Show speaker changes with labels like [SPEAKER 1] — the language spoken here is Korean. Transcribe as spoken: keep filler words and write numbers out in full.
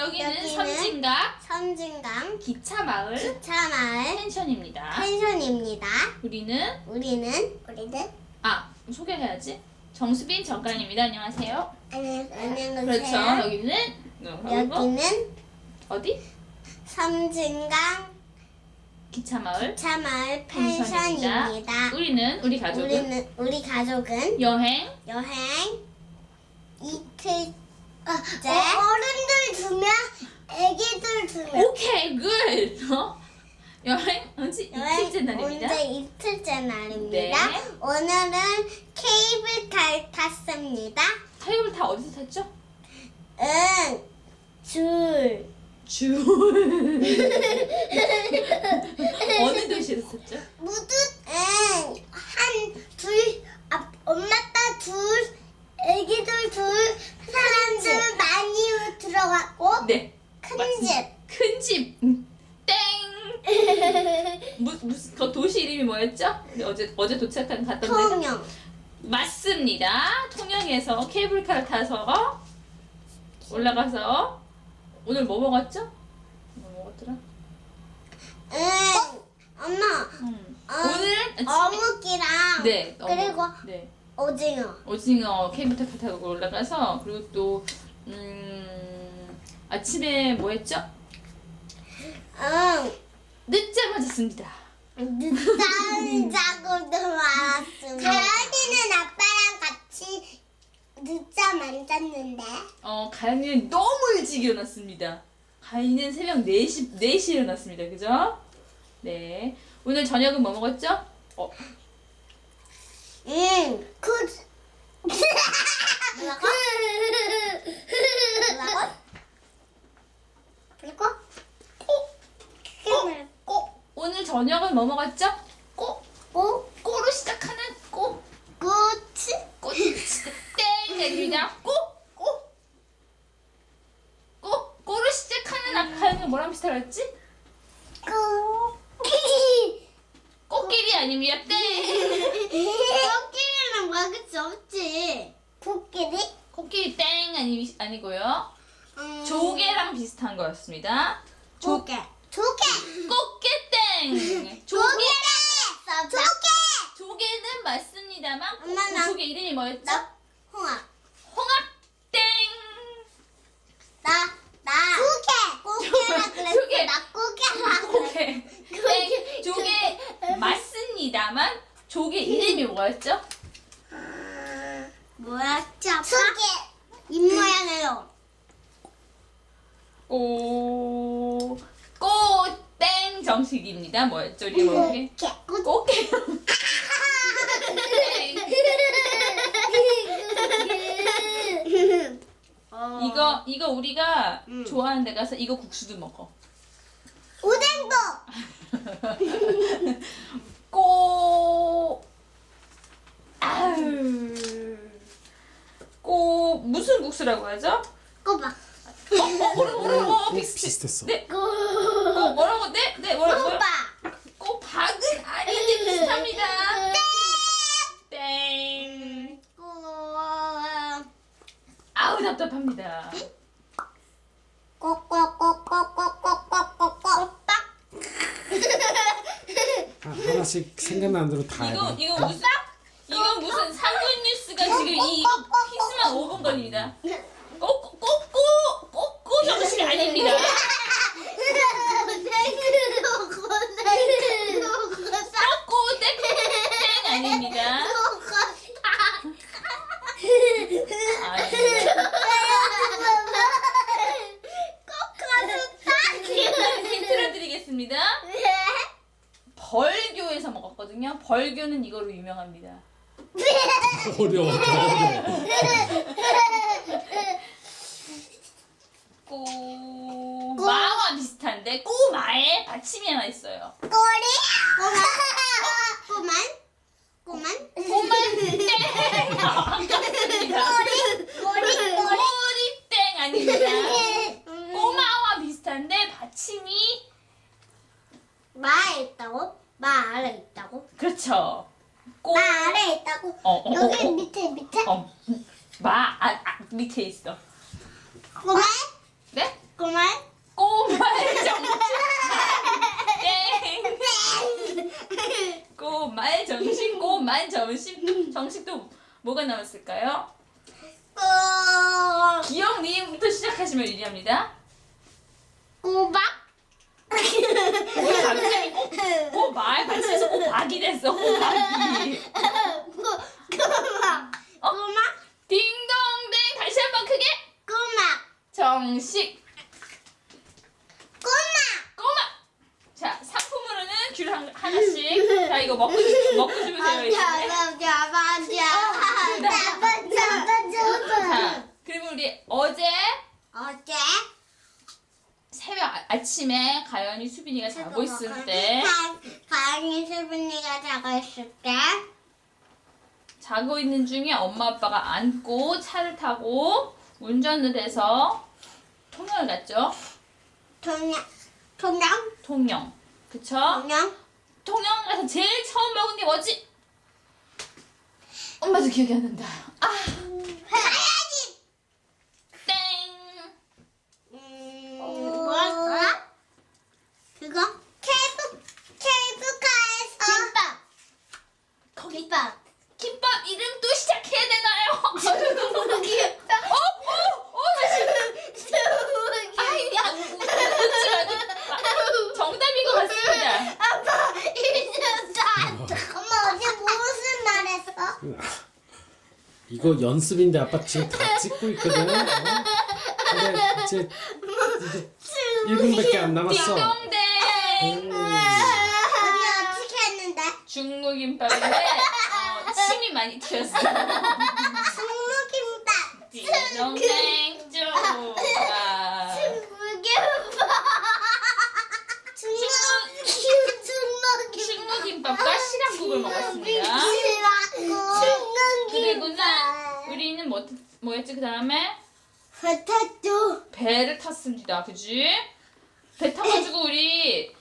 [SPEAKER 1] 여기는,
[SPEAKER 2] 여기는
[SPEAKER 1] 섬진강
[SPEAKER 2] 섬진강
[SPEAKER 1] 기차마을
[SPEAKER 2] 기차마을
[SPEAKER 1] 펜션입니다.
[SPEAKER 2] 펜션입니다.
[SPEAKER 1] 우리는
[SPEAKER 2] 우리는 우리는
[SPEAKER 1] 아 소개해야지. 정수빈 정관입니다. 안녕하세요.
[SPEAKER 2] 안녕하세요.
[SPEAKER 1] 그렇죠. 여기는 그리고
[SPEAKER 2] 여기는
[SPEAKER 1] 어디?
[SPEAKER 2] 섬진강
[SPEAKER 1] 기차마을
[SPEAKER 2] 기차마을
[SPEAKER 1] 펜션입니다.
[SPEAKER 2] 펜션입니다.
[SPEAKER 1] 우리는 우리 가족은
[SPEAKER 2] 우리는 우리 가족은
[SPEAKER 1] 여행
[SPEAKER 2] 여행 이틀째.
[SPEAKER 3] 어, 어른들 두명, 애기들 두 명.
[SPEAKER 1] 오케이 굿. 어? 여행 언제
[SPEAKER 2] 여행
[SPEAKER 1] 이틀째 날입니다.
[SPEAKER 2] 언제 이틀째 날입니다.
[SPEAKER 1] 네.
[SPEAKER 2] 오늘은 케이블카를 탔습니다.
[SPEAKER 1] 타협을 다 어디서 탔죠?
[SPEAKER 2] 응, 줄.
[SPEAKER 1] 줄. 어느 도시에서 탔죠?
[SPEAKER 3] 모두
[SPEAKER 2] 응,
[SPEAKER 3] 한 둘, 아, 엄마 딸 둘, 애기들 둘, 사람들 많이 들어갔고
[SPEAKER 1] 네.
[SPEAKER 3] 큰
[SPEAKER 1] 맞습니다.
[SPEAKER 3] 집.
[SPEAKER 1] 큰 집. 음, 땡. 무, 무슨 그 도시 이름이 뭐였죠? 우리 어제 어제 도착한 갔던 데가
[SPEAKER 2] 통영.
[SPEAKER 1] 맞습니다. 통영에서 케이블카를 타서 올라가서 오늘 뭐 먹었죠? 뭐 먹었더라?
[SPEAKER 2] 응, 엄마.
[SPEAKER 1] 음.
[SPEAKER 2] 어,
[SPEAKER 1] 오늘 아침에
[SPEAKER 2] 어묵이랑
[SPEAKER 1] 네 어묵.
[SPEAKER 2] 그리고
[SPEAKER 1] 네
[SPEAKER 2] 오징어.
[SPEAKER 1] 오징어 케이블카 타고 올라가서 그리고 또 음, 아침에 뭐 했죠?
[SPEAKER 2] 응,
[SPEAKER 1] 늦잠을 잤습니다.
[SPEAKER 2] 늦잠 자고 들어왔습니다.
[SPEAKER 3] 가연이는 아빠랑 같이 늦잠 안 잤는데.
[SPEAKER 1] 어, 가연이는 너무 일찍 일어났습니다. 가연이는 새벽 네 시, 네 시에 일어났습니다. 그죠? 네. 오늘 저녁은 뭐 먹었죠? 어,
[SPEAKER 2] 응,
[SPEAKER 3] 그,
[SPEAKER 2] 뭐라고? 뭐라고?
[SPEAKER 3] 그리고
[SPEAKER 1] 꼬, 꼬. 오늘 저녁은 뭐 먹었죠? 꼬, 꼬, 꼬로 시작하는 꼬,
[SPEAKER 2] 꼬치?
[SPEAKER 1] 꼬치. 땡! 아닙니다. 꼬, 꼬. 꼬, 꼬로 시작하는 아까 가연이가 뭐랑 비슷하다 그랬지?
[SPEAKER 3] 그,
[SPEAKER 1] 꽃길이 아닙니다. 땡!
[SPEAKER 2] 코끼리는 먹을 수 없지.
[SPEAKER 3] 코끼리?
[SPEAKER 1] 코끼리 땡! 아니, 아니고요.
[SPEAKER 2] 음,
[SPEAKER 1] 조개랑 비슷한 거였습니다. 조,
[SPEAKER 2] 조개.
[SPEAKER 3] 조개!
[SPEAKER 1] 꽃게땡! 조개!
[SPEAKER 3] 조개!
[SPEAKER 1] 조개는 맞습니다만 그
[SPEAKER 2] 엄마, 나-
[SPEAKER 1] 조개 이름이 뭐였죠?
[SPEAKER 2] 나 홍합.
[SPEAKER 1] 홍합땡!
[SPEAKER 2] 나, 나.
[SPEAKER 3] 조개!
[SPEAKER 2] 꼬개라 그랬어.
[SPEAKER 1] 조개.
[SPEAKER 2] 나 꼬개라 그랬어.
[SPEAKER 1] 조개! 땡! 조개 맞습니다만 조개 이름이 뭐였죠?
[SPEAKER 2] 뭐였지, 아빠?
[SPEAKER 3] 조개!
[SPEAKER 2] 입 모양으로.
[SPEAKER 1] 오... 꽃땡 정식입니다. 뭐였죠? 우리 뭐게?
[SPEAKER 3] 꽃게.
[SPEAKER 1] 꽃게.
[SPEAKER 2] 어.
[SPEAKER 1] 이거 이거 우리가
[SPEAKER 2] 음.
[SPEAKER 1] 좋아하는 데 가서 이거 국수도 먹어.
[SPEAKER 3] 오뎅도!
[SPEAKER 1] 꼬 아유 꼬 무슨 국수라고 하죠?
[SPEAKER 2] 꼬박.
[SPEAKER 1] 어, 어, 뭐라고 뭐라고 어, 비슷
[SPEAKER 4] 비슷했어.
[SPEAKER 1] 네. 꼬 뭐라고 네? 네 뭐라고 뭐라고?
[SPEAKER 2] 꼬박.
[SPEAKER 1] 꼬박은 아닌데 비슷합니다. 땡.
[SPEAKER 2] 꼬.
[SPEAKER 1] 아우 답답합니다.
[SPEAKER 2] 꼬꼬꼬꼬꼬꼬꼬꼬꼬. 꼬박.
[SPEAKER 4] 하- 하나씩 생각나는 대로 다
[SPEAKER 1] 이거
[SPEAKER 4] 해봐.
[SPEAKER 1] 이거 무슨 이거 무슨 상근 뉴스가 지금 이 퀴즈만 오 분 걸립니다. 꼬꼬꼬꼬 꼬꼬 정식 아닙니다. 꼬꼬 땡 아닙니다. 아닙니다. 힌트를 드리겠습니다. 벌교에서 먹었거든요. 벌교는 이거로 유명합니다.
[SPEAKER 4] 어려워. 더 어려워.
[SPEAKER 1] 꼬마와 비슷한데 꼬마에 받침이 하나 있어요.
[SPEAKER 3] 꼬리?
[SPEAKER 2] 꼬만. 꼬만.
[SPEAKER 1] 꼬만 땡! 아깝습니다.
[SPEAKER 3] 꼬리?
[SPEAKER 1] 꼬리땡 아닙니다. 꼬마와 비슷한데 받침이
[SPEAKER 2] 마에 있다고? 마 아래 있다고?
[SPEAKER 1] 그렇죠. 꼬
[SPEAKER 3] 나 아래 있다고?
[SPEAKER 1] 어, 어,
[SPEAKER 3] 여기
[SPEAKER 1] 어, 어.
[SPEAKER 3] 밑에 밑에?
[SPEAKER 1] 어, 마 아, 아, 밑에 있어.
[SPEAKER 3] 꼬마?
[SPEAKER 1] 네?
[SPEAKER 2] 꼬말.
[SPEAKER 1] 꼬말 정식. 땡. 꼬말 정식, 꼬말 정식. 정식도 뭐가 나왔을까요?
[SPEAKER 2] 꼬.
[SPEAKER 1] 기억 리음부터 시작하시면 유리합니다.
[SPEAKER 2] 꼬박.
[SPEAKER 1] 왜 갑자기 꼬, 꼬말 같이 해서 꼬박이 됐어, 꼬박이.
[SPEAKER 2] 꼬막.
[SPEAKER 1] 어?
[SPEAKER 2] 꼬막.
[SPEAKER 1] 딩동댕 다시 한번 크게.
[SPEAKER 2] 꼬막.
[SPEAKER 1] 정식.
[SPEAKER 2] 꼬막.
[SPEAKER 1] 꼬마. 자, 상품으로는 귤 한, 하나씩. 자, 이거 먹고 주- 먹고 주면 돼요. 이제.
[SPEAKER 2] 잡아 잡아 잡아 잡아 잡아.
[SPEAKER 1] 자, 그리고 우리 어제
[SPEAKER 2] 어제
[SPEAKER 1] 새벽 아, 아침에 가연이 수빈이가 자고 있을 때
[SPEAKER 2] 가영이 수빈이가 자고 있을 때
[SPEAKER 1] 자고 있는 중에 엄마 아빠가 안고 차를 타고 운전을 해서 통영을 갔죠.
[SPEAKER 2] 통영 통영
[SPEAKER 1] 통영. 그쵸?
[SPEAKER 2] 통영
[SPEAKER 1] 통영 가서 제일 처음 먹은 게 뭐지? 엄마도 기억이 안 난다. 아,
[SPEAKER 2] 가야지.
[SPEAKER 1] 땡.
[SPEAKER 2] 음, 뭐였어? 그거 케이블 케이블카에서 김밥
[SPEAKER 1] 거기밥. 김밥 이름 또 시작해야 되나요?
[SPEAKER 2] 김밥
[SPEAKER 1] 어, 어, 어, 다시.
[SPEAKER 2] 수기
[SPEAKER 1] 아이, 야, 웃지 말고. 아, 정답인 것 같습니다.
[SPEAKER 2] 아빠 잊었어. 엄마 어제 무슨 말했어?
[SPEAKER 4] 이거 연습인데 아빠 지금 다 찍고 있거든. 어? 근데 이제 이제 일 분밖에 안 남았어.
[SPEAKER 1] 딩동댕.
[SPEAKER 4] 음.
[SPEAKER 2] 언니 어떻게 했는데?
[SPEAKER 1] 중국김밥인데 어, 침이 많이 튀었어.
[SPEAKER 2] 중국김밥.
[SPEAKER 1] 딩동댕 쭉. 아,
[SPEAKER 2] 중국김밥. 중국김밥.
[SPEAKER 1] 중국김밥과 시락국을 먹었습니다. 그리고는 우리는 뭐, 뭐였지 그 다음에?
[SPEAKER 2] 포테토.
[SPEAKER 1] 배를 탔습니다. 그지? 배 타가지고 우리